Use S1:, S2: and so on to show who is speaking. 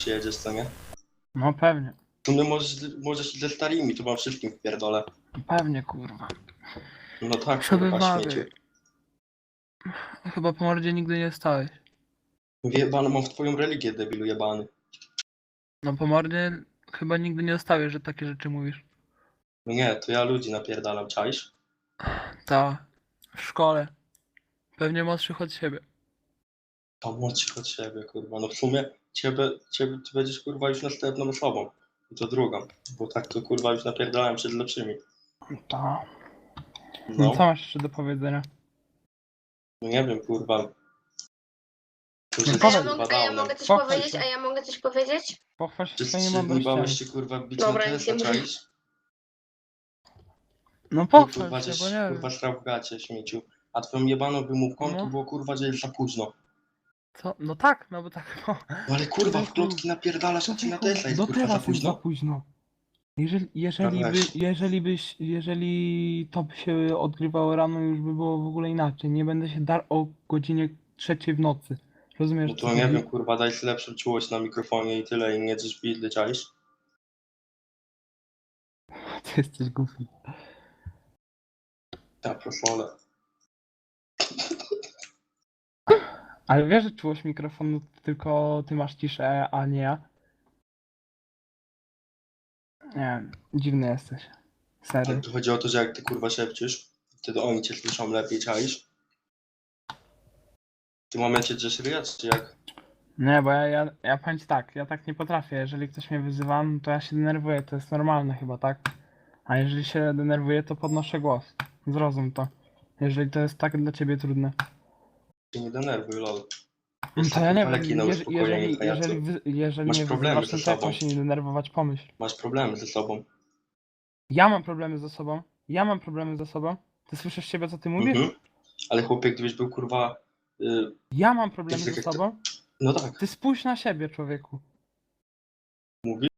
S1: Przyjedziesz, co nie?
S2: No pewnie.
S1: Tu nie możesz ze starymi, tu wam wszystkim wpierdolę.
S2: Pewnie, kurwa.
S1: No tak,
S2: Co
S1: kurwa,
S2: wymawiaj.
S1: śmieciu.
S2: Chyba po mordzie nigdy nie stałeś.
S1: Jebany mam w twoją religię, debilu jebany.
S2: No po mordzie chyba nigdy nie stałeś, że takie rzeczy mówisz.
S1: No nie, to ja ludzi napierdalam, czaisz?
S2: Ta. W szkole. Pewnie młodszych od siebie.
S1: To młodszych od siebie, kurwa. No w sumie ty będziesz, kurwa, już następną osobą. I to drugą. Bo tak to, kurwa, już napierdalałem przed lepszymi.
S2: Ta.
S1: No,
S2: Co masz jeszcze do powiedzenia?
S1: no nie wiem, kurwa. To już
S2: No
S1: jest,
S2: powiedz.
S1: kurwa,
S3: A ja
S1: dawno.
S3: mogę coś
S2: Pochwal
S3: powiedzieć?
S2: się.
S3: A ja mogę coś powiedzieć?
S2: Pochwal się
S1: Czy
S2: swoimi
S1: nie bałeś
S2: mądrościami.
S1: się, kurwa, bić
S3: Dobra,
S1: na
S3: nic nie
S1: Tesla,
S3: mówię.
S1: czaisz?
S2: No
S1: I
S2: pochwal
S1: kurwa,
S2: się,
S1: żeś,
S2: bo nie
S1: kurwa,
S2: wiem.
S1: srał w gacie, śmieciu. A twoją jebaną wymówką
S2: No.
S1: to było, kurwa, że jest za późno.
S2: Co? No tak, no bo tak. No.
S1: No ale kurwa, w
S2: Człowieku,
S1: klocki napierdalasz, a ci na
S2: człowieku,
S1: Tesla jest,
S2: do
S1: kurwa, za
S2: teraz jest za
S1: późno?
S2: późno. Jeżeli to by się odgrywało rano, już by było w ogóle inaczej. Nie będę się darł o godzinie 3 w nocy. Rozumiesz,
S1: No
S2: co
S1: to nie
S2: chodzi?
S1: wiem, kurwa, daj sobie lepszą czułość na mikrofonie i tyle, i nie drzesz bidly, czaisz?
S2: Ty jesteś głupi.
S1: Ja prosolę.
S2: Ale wiesz, że czułość mikrofonu to tylko ty masz ciszę, a nie ja? Nie wiem, dziwny jesteś.
S1: Ale
S2: Serio.
S1: tu chodzi o to, że jak ty, kurwa, szepcisz, wtedy oni cię słyszą lepiej, czaisz? W tym momencie drzesz ryja, czy jak?
S2: Nie, bo ja powiem ci tak, ja tak nie potrafię. Jeżeli ktoś mnie wyzywa, no to ja się denerwuję, to jest normalne chyba, tak? A jeżeli się denerwuję, to podnoszę głos. Zrozum to. Jeżeli to jest tak dla ciebie trudne.
S1: Się nie denerwuj, lol.
S2: No
S1: Jest
S2: to ja nie
S1: kurwa, leki na
S2: wiem,
S1: uspokojenie, pajacu.
S2: jeżeli
S1: Masz
S2: mnie
S1: problemy
S2: wyzywasz,
S1: ze
S2: no to jak mam
S1: sobą.
S2: się nie denerwować, pomyśl.
S1: Masz problemy ze sobą.
S2: Ja mam problemy ze sobą. Ja mam problemy ze sobą. Ty słyszysz siebie, co ty mówisz?
S1: Mhm. Ale chłopie, gdybyś był, kurwa...
S2: Ja mam problemy
S1: tak
S2: ze
S1: jak to-
S2: sobą.
S1: No tak,
S2: Ty spójrz na siebie, człowieku.
S1: mówi.